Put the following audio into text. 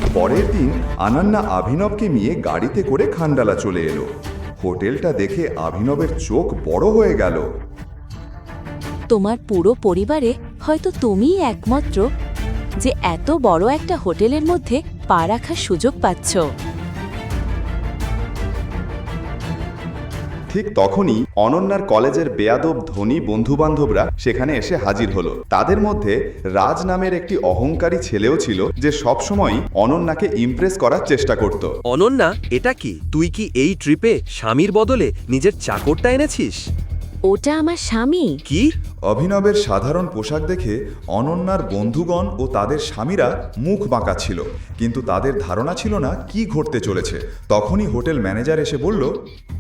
পরের দিন আনান্না অভিনবকে নিয়ে গাড়িতে করে খান্ডালা চলে এলো। হোটেলটা দেখে অভিনবের চোখ বড় হয়ে গেল। তোমার পুরো পরিবারে হয়তো তুমিই একমাত্র যে এত বড় একটা হোটেলের মধ্যে পা রাখার সুযোগ পাচ্ছ। ঠিক তখনই অনন্যার কলেজের বেয়াদব ধনী বন্ধুবান্ধবরা সেখানে এসে হাজির হলো। তাদের মধ্যে রাজ নামের একটি অহংকারী ছেলেও ছিল, যে সবসময় অনন্যাকে ইমপ্রেস করার চেষ্টা করত। অনন্যা, এটা কি? তুই কি এই ট্রিপে স্বামীর বদলে নিজের চাকরটা এনেছিস? ওটা আমার স্বামী। কি? অভিনবের সাধারণ পোশাক দেখে অনন্যার বন্ধুগণ ও তাদের স্বামীরা মুখ বাঁকা ছিল, কিন্তু তাদের ধারণা ছিল না কি ঘটতে চলেছে। তখনই হোটেল ম্যানেজার এসে বলল,